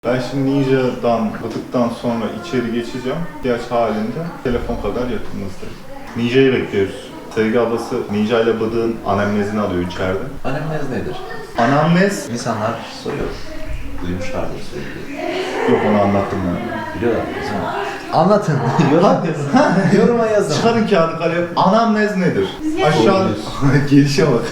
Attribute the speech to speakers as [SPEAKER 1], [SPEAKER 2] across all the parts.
[SPEAKER 1] Ben şimdi Ninja'dan bıdıktan sonra içeri geçeceğim. İhtiyaç halinde telefon kadar yakınımızdayım. Ninja'yı bekliyoruz. Sevgi ablası Ninja ile bıdığın anemnezini alıyor içeride.
[SPEAKER 2] Anemnez nedir?
[SPEAKER 1] Anamnez?
[SPEAKER 2] İnsanlar soruyor. Duymuşlardır sürekli.
[SPEAKER 1] Yok, onu anlattım ben.
[SPEAKER 2] Biliyorlar değil mi? Anlatın. Yoruma yazın.
[SPEAKER 1] Çıkarın kağıdı kalem. Anamnez nedir? Aşağı... Gelişe bak.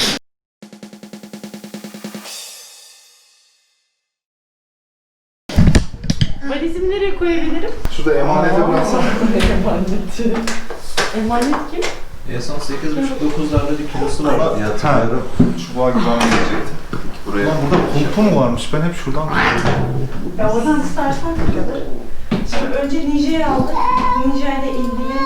[SPEAKER 3] Valizimi nereye koyabilirim?
[SPEAKER 1] Şurada emanete bıraksana.
[SPEAKER 3] Emaneti. Emanet kim?
[SPEAKER 2] En son 8,5-9'larda bir kilosu vardı diye hatırlıyorum.
[SPEAKER 1] Çubuğa gibi gelecekti.
[SPEAKER 2] Buraya.
[SPEAKER 1] Ulan burada koltuğu mu varmış? Ben hep şuradan
[SPEAKER 3] Ya oradan istersen kadar. Şimdi önce Ninja'yı aldık. Ninja ile ilgili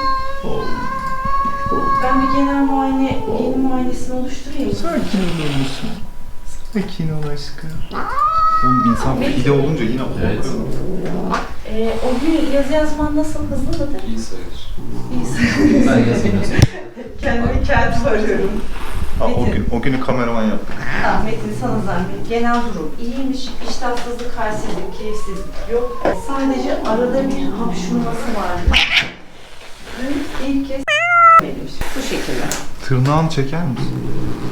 [SPEAKER 3] ben bir genel muayenesini oluşturayım.
[SPEAKER 1] Sakin olur musun? Sakin ol aşkım. Oğlum insan pide olunca yine korkuyor.
[SPEAKER 2] Evet.
[SPEAKER 3] O gün yazı yazman nasıl? Hızlı mıdır?
[SPEAKER 2] İyi sayılır.
[SPEAKER 3] İyi sayılır.
[SPEAKER 2] Ben yazmıyorsam.
[SPEAKER 3] Kendimi kendim arıyorum.
[SPEAKER 1] Ha, o günü kameraman yaptık.
[SPEAKER 3] Metin sana zahmet. Genel durum iyiymiş. İştahsızlık, halsizlik, keyifsizlik yok. Sadece arada bir hapşurması vardı. Dün ilk kez vermiş. Bu şekilde.
[SPEAKER 1] Tırnağını çeker misin?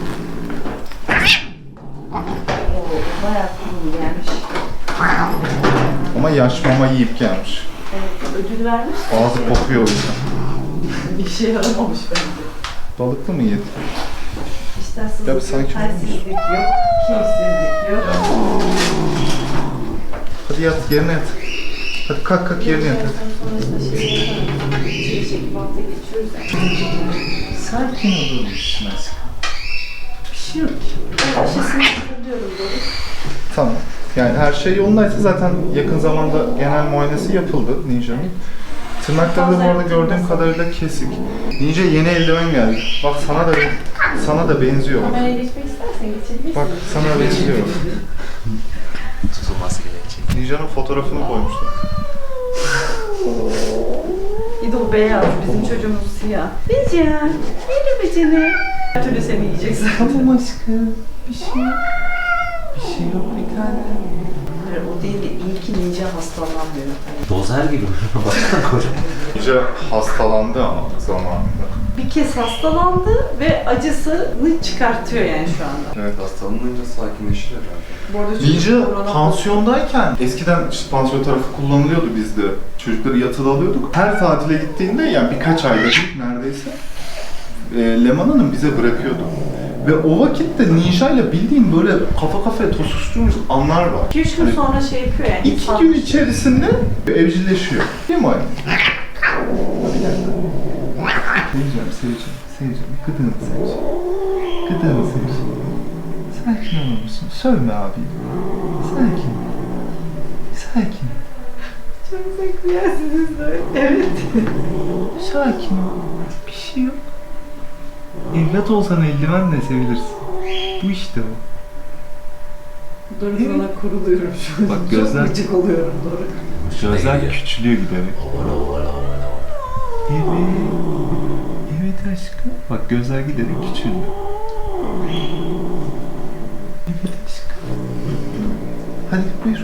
[SPEAKER 3] Bayağı kurulu gelmiş.
[SPEAKER 1] Ama yaş mama yiyip gelmiş.
[SPEAKER 3] Evet, ödül vermiş.
[SPEAKER 1] Ağzı kokuyor o yüzden.
[SPEAKER 3] Bir şey yaramamış bence.
[SPEAKER 1] Balıklı mı yedi? Ya bir
[SPEAKER 3] İştahsızlık
[SPEAKER 1] sakin
[SPEAKER 3] yok, halsizlik yok, keyifsizlik yok.
[SPEAKER 1] Hadi yat, yerine yat. Hadi kalk yerine yat.
[SPEAKER 3] Sonrasında şey yapalım. İçeri çekip alta geçiyoruz ya.
[SPEAKER 1] Sakin olur musun aşkım? Bir şey yok ki.
[SPEAKER 3] Ben aşısını hatırlıyorum böyle.
[SPEAKER 1] Tamam. Yani her şey yolundaysa zaten yakın zamanda genel muayenesi yapıldı Ninja'nın. Tırnakları da bu arada gördüğüm kadarıyla kesik. Ninja yeni eldiven geldi. Bak sana da benziyor bak.
[SPEAKER 3] Kameraya geçmek istersen geçebilirsin.
[SPEAKER 1] Bak sana benziyor.
[SPEAKER 2] Tutulması gerekecek.
[SPEAKER 1] Ninja'nın fotoğrafını koymuşlar.
[SPEAKER 3] İdol beyaz, bizim çocuğumuz siyah. Becan, merhaba canım. Her türlü seni yiyecek zaten.
[SPEAKER 1] Tamam aşkım. Bir şey yok. Bir şey yok bir tane.
[SPEAKER 3] Hayır, o değil de iyi ki Ninja hastalanmıyor.
[SPEAKER 2] Dozer gibi. Baksana koca.
[SPEAKER 1] Ninja hastalandı ama zamanında.
[SPEAKER 3] Bir kez hastalandı ve acısını çıkartıyor yani şu anda.
[SPEAKER 1] Evet.
[SPEAKER 2] Hastalanınca sakinleşir herhalde.
[SPEAKER 3] Bu arada çocuk
[SPEAKER 1] Ninja
[SPEAKER 3] korona-
[SPEAKER 1] pansiyondayken eskiden işte pansiyon tarafı kullanılıyordu bizde. Çocukları yatılı alıyorduk. Her tatile gittiğinde yani birkaç ayda bir neredeyse Leman Hanım bize bırakıyordu. Ve o vakitte Ninja ile bildiğim böyle kafa kafaya tosuştuğumuz anlar var.
[SPEAKER 3] 2-3 gün sonra şey yapıyor yani.
[SPEAKER 1] 2
[SPEAKER 3] insan-
[SPEAKER 1] gün içerisinde evcilleşiyor. Değil mi anne? Seveceğim. Gıdığını seveceğim. Gıdığını seveceğim. Sakin olur musun? Sövme abi. Sakin. Sakin.
[SPEAKER 3] Çok saklayasınız da. Evet.
[SPEAKER 1] Sakin ol. Bir şey yok. Evlat olsan eldivenle sevilirsin. Bu işte o.
[SPEAKER 3] Doğru sana kuruluyorum şu an.
[SPEAKER 1] Bak gözler-
[SPEAKER 3] Çok gıcık oluyorum doğru.
[SPEAKER 1] Gözler küçülüyor giderek.
[SPEAKER 2] Ovala.
[SPEAKER 1] Evet. Evet aşkım. Bak gözler giderek küçülüyor. Evet aşkım. Hadi buyur.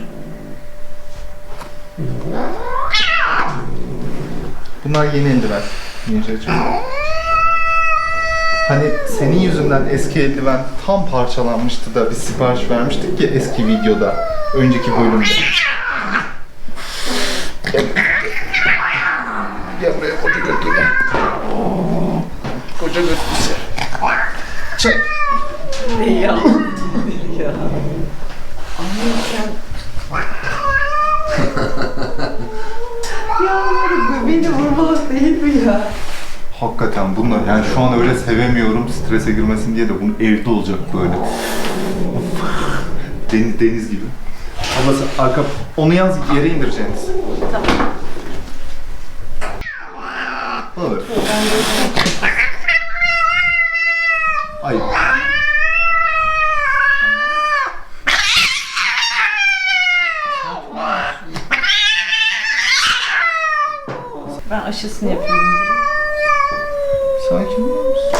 [SPEAKER 1] Bunlar yeni eldiven. Ninja'cığım. Hani senin yüzünden eski eldiven tam parçalanmıştı da biz sipariş vermiştik ya eski videoda. Önceki bölümde. Gel buraya koca götür gel. Koca götür bize. Çek.
[SPEAKER 3] Ne ya? Ya. Anne sen... Ya bu beni vurmalık değil mi ya?
[SPEAKER 1] Hakikaten bunlar yani şu an öyle sevemiyorum strese girmesin diye de bunu evde olacak böyle. Deniz gibi. Ablası arka onu yalnız yere indireceğiniz.
[SPEAKER 3] Tamam.
[SPEAKER 1] Olur. Ay.
[SPEAKER 3] Ben aşısını yapıyorum.
[SPEAKER 1] Sakin olur musun?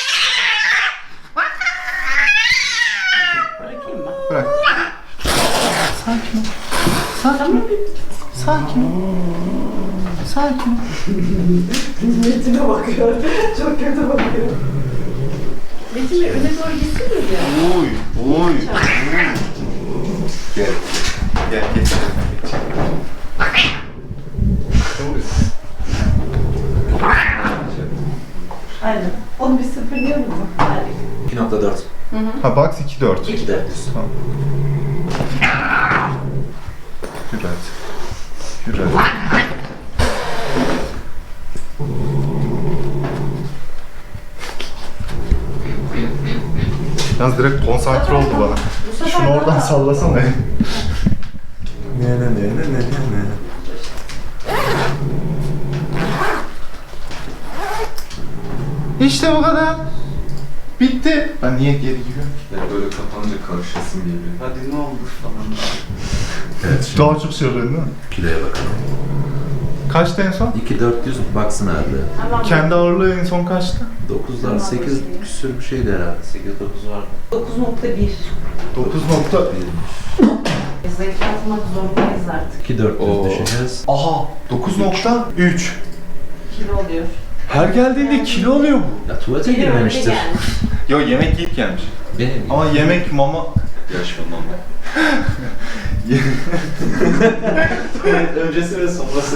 [SPEAKER 3] Bırakayım mı?
[SPEAKER 1] Bırak. Sakin ol. Sakin ol. Sakin ol. Sakin ol.
[SPEAKER 3] Metin'e bakıyor. Çok kötü bakıyor. Metin Bey öne doğru gitsin mi ya?
[SPEAKER 1] Oy, oy. Gel. Gel, geç.
[SPEAKER 3] Aynen. Onu bir sıfırlıyor mu? Harika.
[SPEAKER 2] 2.4.
[SPEAKER 1] Ha box 2.4.
[SPEAKER 2] 2 de diyorsun.
[SPEAKER 1] Tamam. Yürü hadi. Yürü hadi. Yalnız direkt konsantre oldu bana.
[SPEAKER 3] Bu sefer
[SPEAKER 1] Şunu oradan
[SPEAKER 3] daha-
[SPEAKER 1] sallasana.
[SPEAKER 2] Ne.
[SPEAKER 1] İşte bu kadar. Bitti. Ben niye geri giriyorum?
[SPEAKER 4] Böyle kapanınca karışasın geliyor. Hadi ne oldu falan.
[SPEAKER 2] Evet, şimdi
[SPEAKER 1] Daha çok söylüyorsun değil mi?
[SPEAKER 2] kiloya bakalım.
[SPEAKER 1] Kaçtı en son?
[SPEAKER 2] 2.400 baksın herhalde.
[SPEAKER 3] Tamam.
[SPEAKER 1] Kendi ağırlığı en son kaçtı?
[SPEAKER 2] 9'lar 8 küsür bir şeydi herhalde. 8-9 vardı.
[SPEAKER 3] 9.1.
[SPEAKER 1] 9
[SPEAKER 3] Zayıflatmak zorundayız artık.
[SPEAKER 2] 2.400 düşeceğiz.
[SPEAKER 1] Aha 9.3.
[SPEAKER 3] Kilo oluyor.
[SPEAKER 1] Her geldiğinde kilo oluyor bu.
[SPEAKER 2] Ya tuvalete
[SPEAKER 3] Kilo önce
[SPEAKER 2] girmemiştir.
[SPEAKER 3] gelmiş.
[SPEAKER 1] Yo yemek yiyip gelmiş.
[SPEAKER 2] Benim
[SPEAKER 1] Ama yemek mama...
[SPEAKER 4] Yaşamam.
[SPEAKER 2] öncesi ve sonrası.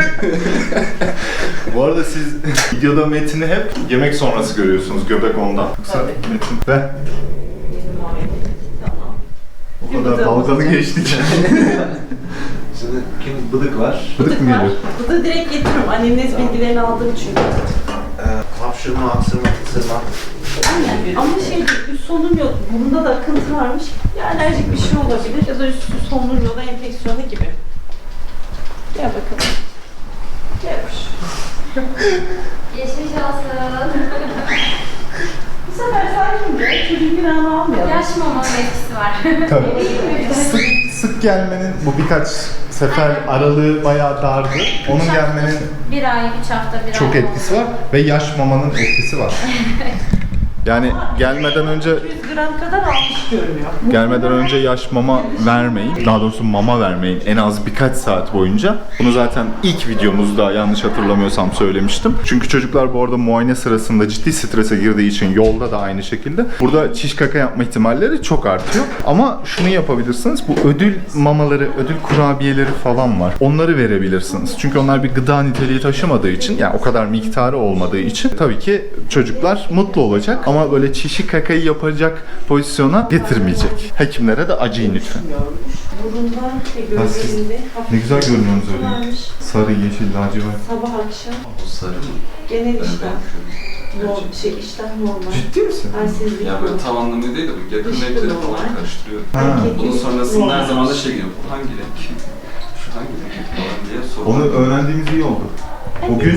[SPEAKER 1] Bu arada siz videoda Metin'i hep yemek sonrası görüyorsunuz, göbek ondan. Yoksa
[SPEAKER 3] Tabii.
[SPEAKER 1] Metin ve
[SPEAKER 3] Yedim abi. Tamam.
[SPEAKER 1] o kadar dalgalı geçtik.
[SPEAKER 2] Şimdi kim bıdık var?
[SPEAKER 1] Bıdık mı geliyor?
[SPEAKER 3] Bıdığı direkt getiriyorum. Annemin bilgilerini aldım çünkü.
[SPEAKER 2] Hapşırma, aksırma, kısırma.
[SPEAKER 3] Aynen. Ama üst solunum yok. Burunda da akıntı varmış. Ya alerjik bir şey olabilir ya da üst solunum yolu enfeksiyonu gibi. Gel bakalım. Gelmiş.
[SPEAKER 5] Geçmiş olsun.
[SPEAKER 3] Bu sefer sakince çocuğun günahını almayalım.
[SPEAKER 5] Yaş mamanın etkisi var.
[SPEAKER 1] Tabii. Sık gelmenin bu birkaç sefer aralığı bayağı dardı. Onun gelmenin
[SPEAKER 5] Bir ay, 3 hafta, bir ay.
[SPEAKER 1] çok etkisi var ve yaş mamanın etkisi var. Yani gelmeden önce
[SPEAKER 3] 200 gram kadar almış görünüyor.
[SPEAKER 1] Gelmeden önce yaş mama vermeyin. Daha doğrusu mama vermeyin en az birkaç saat boyunca. Bunu zaten ilk videomuzda yanlış hatırlamıyorsam söylemiştim. Çünkü çocuklar bu arada muayene sırasında ciddi strese girdiği için yolda da aynı şekilde. Burada çiş kaka yapma ihtimalleri çok artıyor. Ama şunu yapabilirsiniz. Bu ödül mamaları, ödül kurabiyeleri falan var. Onları verebilirsiniz. Çünkü onlar bir gıda niteliği taşımadığı için, yani o kadar miktarı olmadığı için tabii ki çocuklar mutlu olacak. Ama böyle çişi kakayı yapacak pozisyona getirmeyecek. Hekimlere de acıyın lütfen.
[SPEAKER 3] Burunda ve gözlerinde hafif
[SPEAKER 1] Ne güzel görünüyorsunuz öyle.
[SPEAKER 3] varmış.
[SPEAKER 1] Sarı, yeşil, lacivert.
[SPEAKER 3] Sabah akşam
[SPEAKER 4] O sarı mı?
[SPEAKER 3] genel
[SPEAKER 4] Ben
[SPEAKER 3] iştah.
[SPEAKER 4] belki.
[SPEAKER 3] İştah normal.
[SPEAKER 1] Ciddi misin?
[SPEAKER 3] Halsizlik
[SPEAKER 4] Ya böyle
[SPEAKER 3] yok.
[SPEAKER 4] tam anlamı değil de bu yakın
[SPEAKER 3] Dışkı
[SPEAKER 4] renkleri
[SPEAKER 3] da
[SPEAKER 4] falan
[SPEAKER 3] var.
[SPEAKER 4] karıştırıyor.
[SPEAKER 1] Ha.
[SPEAKER 4] Bunun sonrasında her
[SPEAKER 3] Normal.
[SPEAKER 4] zaman da şey geliyor. Bu hangi renk? Şu hangi renk falan diye soruyor.
[SPEAKER 1] Onu öğrendiğimiz iyi oldu. Bugün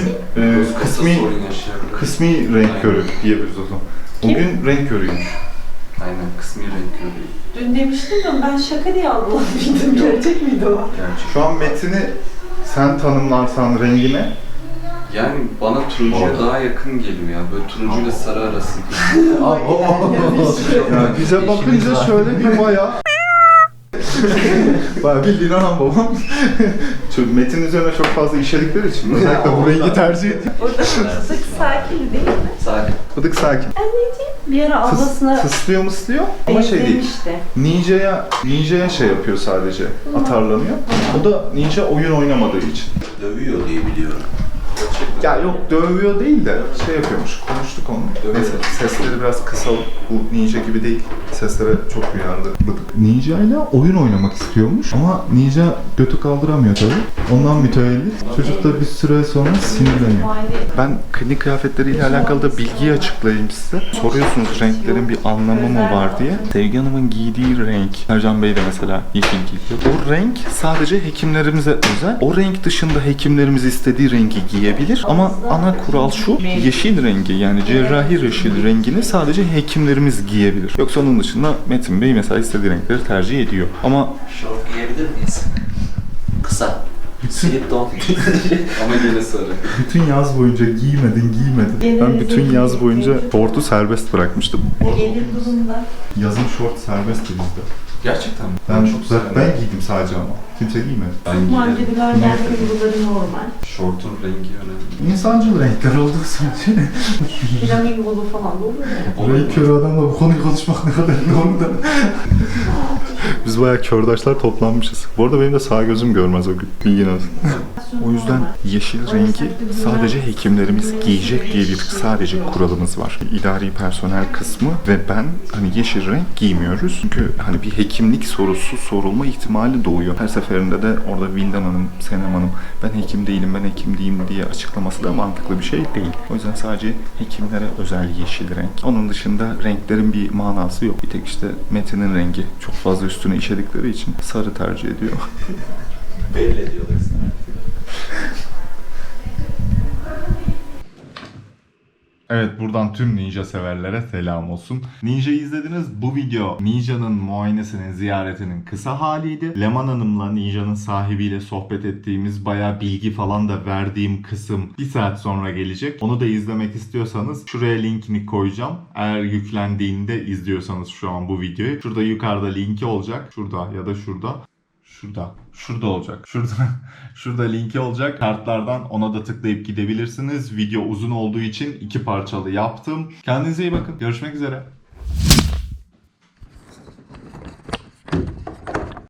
[SPEAKER 1] kısmi renk körü diyebiliriz o zaman. Bugün renk körüymüş.
[SPEAKER 4] Aynen kısmi renk körü.
[SPEAKER 3] Dün demiştim ya ben şaka diye algılamıştım. Gerçek miydi o?
[SPEAKER 4] Gerçek.
[SPEAKER 1] Şu an Metin'i sen tanımlarsan rengine,
[SPEAKER 4] Yani bana turuncuya daha yakın geliyor ya. Böyle turuncuyla sarı arası.
[SPEAKER 1] yani bize bakınca şöyle bir bayağı bayağı bildiğin anam babam. Çünkü Metin üzerine çok fazla işledikleri için özellikle bu rengi tercih ediyor.
[SPEAKER 3] Orada sık sakin değil mi?
[SPEAKER 4] Sakin.
[SPEAKER 1] Bıdık sakin.
[SPEAKER 3] Anneciğim. Bir ara ablasına
[SPEAKER 1] Tıslıyor mıslıyor ama şey değil.
[SPEAKER 3] benzemişti.
[SPEAKER 1] Ninja'ya şey yapıyor sadece. Atarlanıyor. O da Ninja oyun oynamadığı için.
[SPEAKER 2] Dövüyor diye biliyorum.
[SPEAKER 1] Ya yok dövüyor değil de şey yapıyormuş. Konuştuk onu. Neyse sesleri biraz kısalım. Bu Ninja gibi değil. Seslere çok duyarlı. Ninja ile oyun oynamak istiyormuş ama Ninja götü kaldıramıyor tabii. Ondan mütevellit. Çocuk da bir süre sonra sinirleniyor. Ben klinik kıyafetleriyle alakalı da bilgiyi açıklayayım size. Soruyorsunuz renklerin bir anlamı mı var diye. Sevgi Hanım'ın giydiği renk, Ercan Bey de mesela yeşil giyiyor. O renk sadece hekimlerimize özel. O renk dışında hekimlerimiz istediği rengi giyebilir. Ama ana kural şu, yeşil rengi yani cerrahi yeşil rengini sadece hekimlerimiz giyebilir. Yoksa onun dışında Metin Bey mesela istediği renkleri tercih ediyor. Ama
[SPEAKER 2] Şort giyebilir miyiz? Kısa. Slip don.
[SPEAKER 4] Ama yine sarı.
[SPEAKER 1] bütün yaz boyunca giymedin. Ben bütün yaz boyunca şortu serbest bırakmıştım.
[SPEAKER 3] Gelir durumda.
[SPEAKER 1] Yazın şort serbestti bizde.
[SPEAKER 4] Gerçekten mi?
[SPEAKER 1] Ben
[SPEAKER 4] çok severim.
[SPEAKER 1] ben giydim sadece ama. Kimse giymedi.
[SPEAKER 4] Ben giyerim.
[SPEAKER 3] Mancınılar bunları normal.
[SPEAKER 4] Şortun rengi önemli.
[SPEAKER 1] İnsancıl renkler olduğu sürece.
[SPEAKER 3] Flamingolu falan da olur mu?
[SPEAKER 1] Renk körü adamla bu konuyu konuşmak ne kadar doğru da. Biz bayağı kördaşlar toplanmışız. Bu arada benim de sağ gözüm görmez o gün. Bilgin olsun. O yüzden yeşil rengi sadece hekimlerimiz giyecek diye bir sadece kuralımız var. İdari personel kısmı ve ben hani yeşil renk giymiyoruz. Çünkü hani bir hekimlik sorusu sorulma ihtimali doğuyor. Her seferinde de orada Vildan Hanım, Senem Hanım ben hekim değilim, ben hekim değilim diye açıklaması da mantıklı bir şey değil. O yüzden sadece hekimlere özel yeşil renk. Onun dışında renklerin bir manası yok. Bir tek işte Metin'in rengi çok fazla üstüne işedikleri için sarı tercih ediyor.
[SPEAKER 2] Belli ediyorlar.
[SPEAKER 1] Evet, buradan tüm Ninja severlere selam olsun. Ninja'yı izlediniz. Bu video Ninja'nın muayenesinin, ziyaretinin kısa haliydi. Leman Hanım'la Ninja'nın sahibiyle sohbet ettiğimiz bayağı bilgi falan da verdiğim kısım 1 saat sonra gelecek. Onu da izlemek istiyorsanız şuraya linkini koyacağım. Eğer yüklendiğinde izliyorsanız şu an bu videoyu. Şurada yukarıda linki olacak. Şurada ya da şurada. Şurada olacak. Şurada linki olacak. Kartlardan ona da tıklayıp gidebilirsiniz. Video uzun olduğu için 2 parçalı yaptım. Kendinize iyi bakın. Görüşmek üzere.